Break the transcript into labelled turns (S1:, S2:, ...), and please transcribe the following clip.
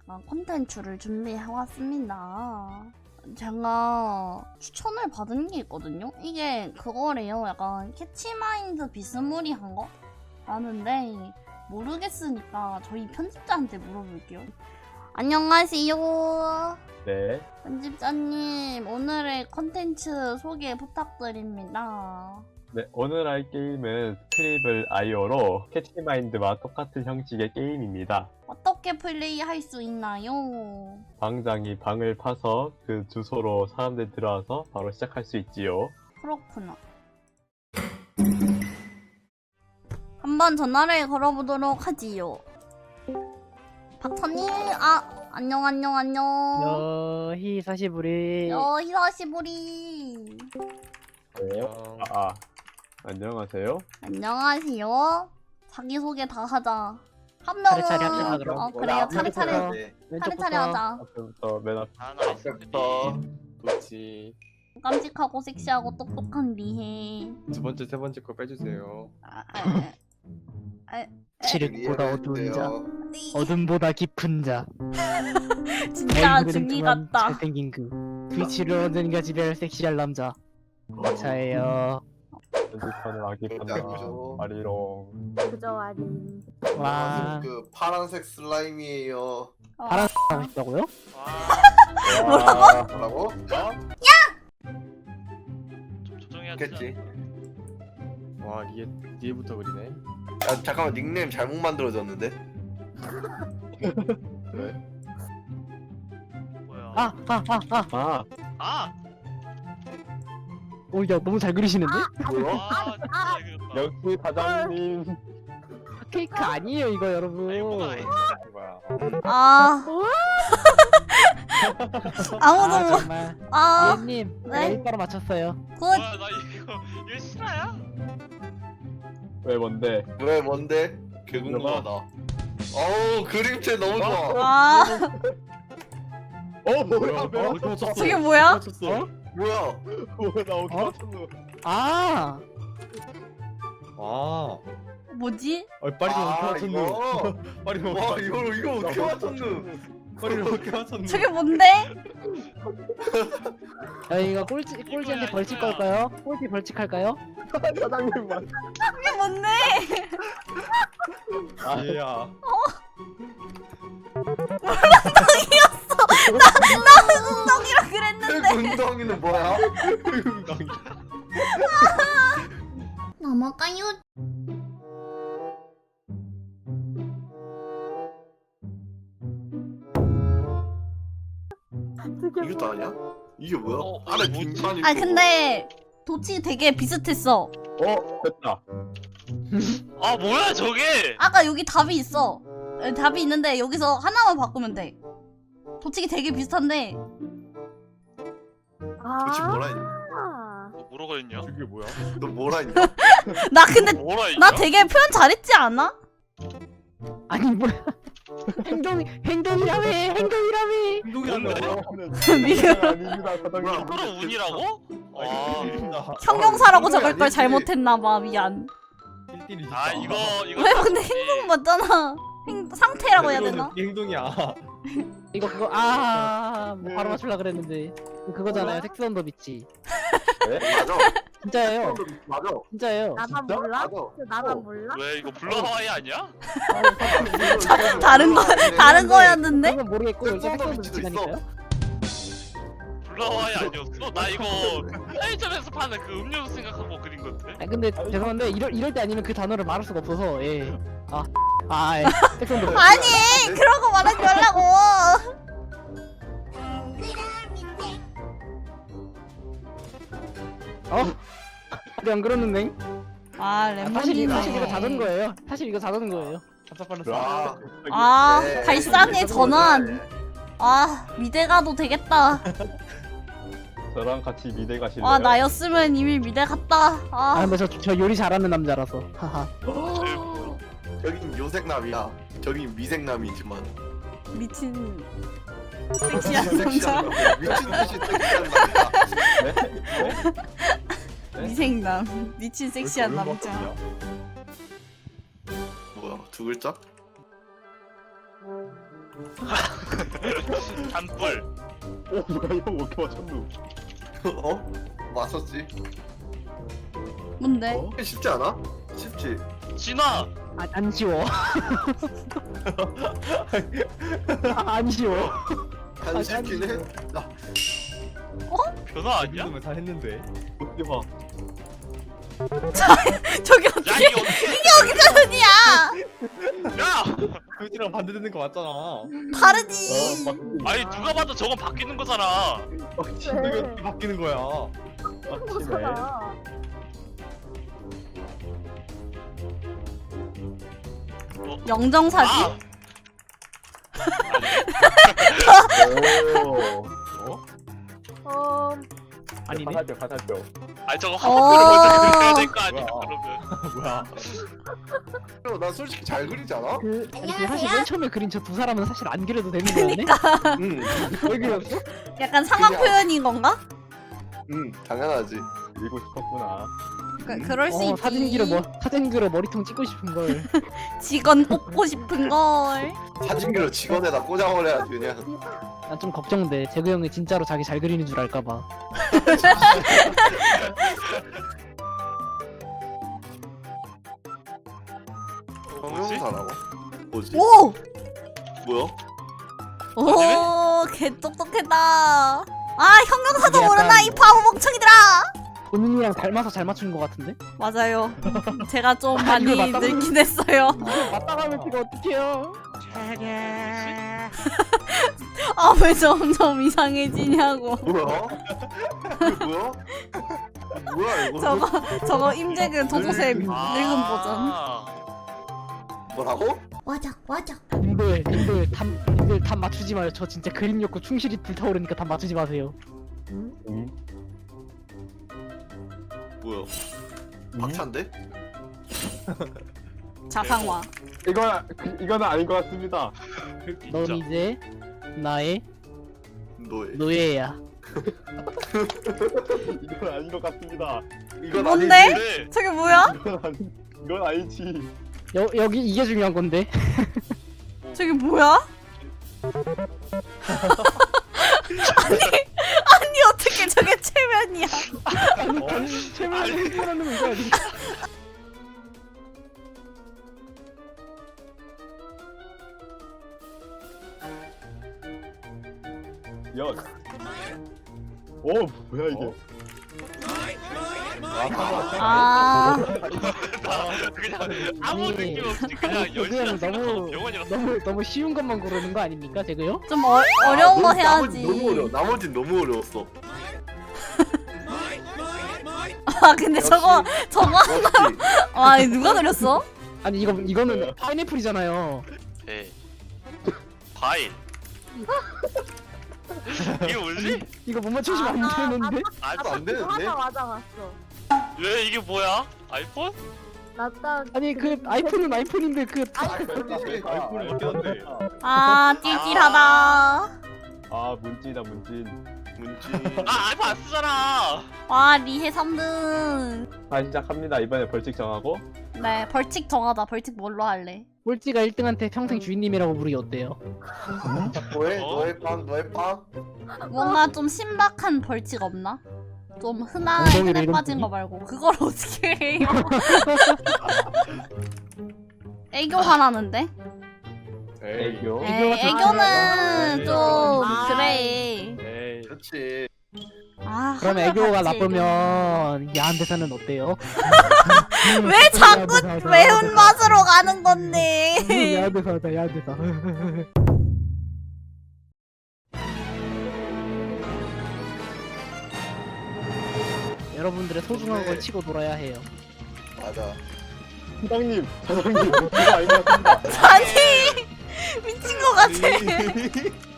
S1: 약간 콘텐츠를 준비해왔습니다. 제가 추천을 받은 게 있거든요? 이게 그거래요. 약간 캐치마인드 비스무리한 거? 아는데 모르겠으니까 저희 편집자한테 물어볼게요. 안녕하세요.
S2: 네.
S1: 편집자님, 오늘의 컨텐츠 소개 부탁드립니다.
S2: 네, 오늘 할 게임은 스크리블 아이오로 캐치마인드와 똑같은 형식의 게임입니다.
S1: 어떻게 플레이할 수 있나요?
S2: 방장이 방을 파서 그 주소로 사람들 들어와서 바로 시작할 수 있지요.
S1: 그렇구나. 한번 전화를 걸어보도록 하지요. 박사님, 안녕.
S3: 히사시부리.
S1: 히사시부리.
S2: 안녕하세요.
S1: 안녕하세요. 자기소개 다 하자. 한 명은
S3: 차례차례 합시다, 그럼.
S1: 그래요. 차례차례
S3: 왼쪽부터.
S1: 하자.
S2: 앞부터 맨 앞.
S4: 앞부터 좋지.
S1: 깜찍하고 섹시하고 똑똑한 리해.
S4: 두 번째, 세 번째 거 빼주세요.
S3: 칠흑보다 어두운 자,
S1: 이-
S3: 어둠보다 깊은 자.
S1: 진짜
S3: 얼굴은
S1: 중이
S3: 동안
S1: 같다.
S3: 잘생긴 그 트위치를 언젠가 지배할 섹시할 남자. 저예요.
S2: 편집하는 아기 판다.
S4: 아기죠.
S2: 아리롱.
S1: 그저 아닌.
S3: 와,
S5: 그 파란색 슬라임이에요.
S3: 파란색 하고 싶다고요?
S1: 뭐라고?
S5: 뭐라고?
S6: 좀 조정해야지.
S5: 겠지.
S4: 와, 리에부터 그리네.
S5: 야, 잠깐만 닉네임 잘못 만들어졌는데?
S6: 뭐야?
S2: 아,
S6: 아!
S3: 오, 야, 너무 잘 그리시는데?
S5: 뭐야?
S6: 진짜 이거 봐.
S2: 역시 사장님.
S3: 케이크 아니에요, 이거 여러분.
S6: 이거보다 아니-
S4: 뭐야?
S1: 아. 아무도
S3: 아,
S1: 뭐.
S3: 정말.
S1: 아.
S3: 예님,
S1: 네?
S3: 일바로 맞췄어요.
S1: 굿.
S6: 뭐야 나 이거 실화야?
S2: 왜 뭔데?
S5: 왜 뭔데? 개궁금하다. 어우 그림체 너무 좋아.
S1: 아.
S2: 뭐야?
S1: 저게 뭐야?
S3: 어?
S5: 뭐야?
S2: 나 어디
S3: 어?
S2: 맞췄노?
S3: 아,
S4: 아,
S1: 뭐지?
S4: 빨리
S5: 아
S4: 어떻게 맞췄노?
S5: 이거.
S4: 빨리
S5: 와 이거 어떻게 맞췄누?
S4: 빨리 어떻게 맞췄노?
S1: 저게 뭔데?
S3: 저희가 꼴찌한테 벌칙 걸까요? 꼴찌 벌칙할까요?
S2: 사장님 맞.
S1: 저게 뭔데?
S4: 얘야.
S1: 엉덩이라 그랬는데.
S5: 운동이는 뭐야?
S1: 넘어가요.
S5: 이것도 아니야? 이게 뭐야? 안에
S6: 뭐지?
S5: 빈칸 있고.
S1: 아 근데 도치 되게 비슷했어.
S2: 됐다.
S6: 아 뭐야 저게?
S1: 아까 여기 답이 있어. 답이 있는데 여기서 하나만 바꾸면 돼. 도치기 되게 비슷한데.
S5: 도대체 뭐라 했냐?
S6: 뭐 뭐라고 했냐?
S4: 저게 뭐야?
S5: 너 뭐라 했냐?
S1: 나 근데
S6: 뭐라 했냐?
S1: 나 되게 표현 잘했지 않아?
S3: 아니 뭐야? 행동이라며.
S6: 뭔데?
S2: 아닙니다, 사장님.
S6: 이거로 운이라고? 아,
S1: 형용사라고 적을 걸
S5: 아니지.
S1: 잘못했나봐. 미안.
S4: 1대1이지.
S6: 아 이거
S1: 왜 근데 행동 맞잖아. 상태라고 해야 되나?
S4: 행동이야.
S3: 이거 그거 뭐 바로 맞추려 그랬는데 그거잖아요. 섹스 언더 비치.
S5: 맞아.
S3: 진짜예요.
S5: 맞아.
S3: 진짜예요.
S7: 나만 몰라?
S5: 맞아.
S7: 나만 몰라?
S6: 왜 이거 블러 하와이 아니야?
S1: 다른 거 다른 거였는데?
S3: 그건 모르겠고 여기 섹스 언더
S5: 비치도 있어.
S3: 비치라니까요.
S6: 블러 하와이 아니었어? 나 이거 편의점에서 파는 그 음료수 생각하고 그린 건데.
S3: 아 근데 죄송한데 이럴 때 아니면 그 단어를 말할 수가 없어서 예. 예. 섹스 언더 비치.
S1: 아니 그런 거 말하지 말라고.
S3: 우리 안 그러는데?
S1: 아
S3: 사실 이거
S1: 랩몬이네.
S3: 자는 거예요. 사실 이거 자는 거예요.
S5: 아,
S1: 아
S5: 네.
S1: 발상의 전환. 아 미대 가도 되겠다.
S2: 저랑 같이 미대 가실래요?
S1: 아 나였으면 이미 미대 갔다.
S3: 아
S1: 아.
S3: 근데 저 요리 잘하는 남자라서. 하하.
S5: 저긴 요색남이야. 저긴 미색남이지만.
S1: 미친 섹시한 남자.
S5: 섹시한 남자. 미친 듯이 섹시한 남자.
S2: 네?
S1: 미생남 미친 섹시한 남자.
S5: 뭐야? 두 글자?
S6: 단뿔.
S2: 오 뭐야 이거 어떻게 맞췄노?
S5: 어? 맞췄지.
S1: 뭔데?
S2: 어?
S5: 쉽지 않아? 쉽지.
S6: 진화.
S3: 안 쉬워. 안 쉬워.
S5: 안 쉽긴 해.
S6: 변화 아니야?
S4: 정도면 다 했는데.
S2: 어떻게 봐?
S1: 저기
S6: 야
S1: 어떻게
S6: 이게 어떻게?
S1: 편이야?
S6: 야!
S4: 그지랑 반대되는 거 맞잖아.
S1: 다르지.
S6: 아니 누가 봐도 저건 바뀌는 거잖아.
S4: 이게 어떻게 바뀌는 거야?
S2: 빡치네.
S1: 영정사지?
S2: 오.
S3: 아니네.
S2: 가사죠.
S6: 아니 저거 화살표를 먼저
S1: 어.
S6: 그려야 될 거 아니야?
S4: 뭐야?
S6: 그러면.
S5: 나 솔직히 잘 그리지 않아?
S3: 아니 그 사실 맨 처음에 그린 저 두 사람은 사실 안 그려도 되는 거였네.
S5: 응.
S3: 왜 그렸어?
S1: 약간 상황
S5: 그냥-
S1: 표현인 건가?
S5: 응. 당연하지.
S2: 읽고 싶었구나.
S1: 그럴 수 있지.
S3: 사진기로 머리통 찍고 싶은 걸.
S1: 직원 뽑고 싶은 걸.
S5: 사진기로 직원에다 꽂아버려야지 그냥.
S3: 난 좀 걱정돼. 재구 형이 진짜로 자기 잘 그리는 줄 알까봐.
S5: 형용사라고? 뭐지?
S1: 오!
S5: 뭐야?
S1: 오, 개 똑똑했다. 아, 형용사도
S3: 이게 약간-
S1: 모르나 이 바보 멍청이들아.
S3: 본인이랑 닮아서 잘 맞춘 것 같은데?
S1: 맞아요. 제가 좀
S3: 아,
S1: 많이
S3: 이걸 맞다고?
S1: 늙긴 했어요.
S3: 맞다가면 이거 어떡해요?
S1: 아, 왜 점점 이상해지냐고.
S5: 뭐야? 이게 뭐야? 뭐야 이거?
S1: 저거 임재근 도도새 늙은 버전.
S6: 아.
S5: 뭐라고?
S3: 님들 답 맞추지 마요. 저 진짜 그림 욕구 충실히 불타오르니까 답 맞추지 마세요.
S5: 뭐야? 박찬데?
S1: 자상화.
S2: 이거는 아닌 것 같습니다.
S3: 넌
S6: 진짜.
S3: 이제 나의
S5: 너의.
S3: 노예야.
S2: 이건 아닌 것 같습니다.
S5: 이건
S1: 뭔데?
S5: 아니지.
S6: 네.
S1: 저게 뭐야?
S2: 이건 아니지.
S3: 여기 이게 중요한 건데.
S1: 저게 뭐야? 아니 어떻게 저게 최면이야?
S3: 아니 최면을 행동하는 거 이거 아닌가?
S2: 연. 오 뭐야 이게?
S1: 아,
S6: 그냥 아무
S3: 아니,
S6: 느낌 없이 그냥
S3: 재구
S6: 열심히
S3: 형
S6: 생각하고 병원이라서.
S3: 너무 쉬운 것만 고르는 거 아닙니까, 재구요?
S1: 좀 어려운 거 해야지.
S5: 너무 어려워. 나머진 너무 어려웠어.
S1: 아 근데 저거
S5: 역시.
S1: 아 누가 그렸어?
S3: 아니 이거는 파인애플이잖아요.
S6: 네. 과일. 이게 뭐지?
S3: 이거 못 맞추시면 안 되는데.
S5: 말도 안 되는데?
S7: 맞아 맞어.
S6: 왜 이게 뭐야? 아이폰?
S7: 나딱
S3: 아니 그 아이폰은 아이폰인데 그
S5: 아이폰이지.
S4: 아이폰이 맞긴 한데.
S1: 아 띨띨하다.
S2: 아 문진이다 문진.
S5: 문지.
S6: 아 아이폰 안 쓰잖아.
S1: 와 리해 3등.
S2: 자 시작합니다. 이번에 벌칙 정하고.
S1: 네 벌칙 정하자. 벌칙 뭘로 할래?
S3: 꼴찌가 1등한테 평생 주인님이라고 부르기 어때요?
S5: 너의
S6: 어?
S5: 너의 빵 너의 빵.
S1: 뭔가 좀 신박한 벌칙 없나? 좀 흔한
S3: 엉덩이를
S1: 흔해
S3: 이런
S1: 빠진
S3: 분이?
S1: 거 말고 그걸 어떻게 해요? 애교 화나는데?
S2: 애교.
S1: 에이, 애교는 좀 그래.
S4: 에이.
S5: 그렇지.
S1: 아,
S3: 그럼
S1: 하늘
S3: 애교가
S1: 같이
S3: 나쁘면 야한 대사는 어때요?
S1: 왜 자꾸 매운 맛으로 가는 건데?
S3: 야한 대사다 야한 대사. 여러분들의 소중한 걸 치고 놀아야 해요.
S5: 맞아.
S2: 사장님 이거 아닌 것 같습니다.
S1: 아니 미친 거 같아.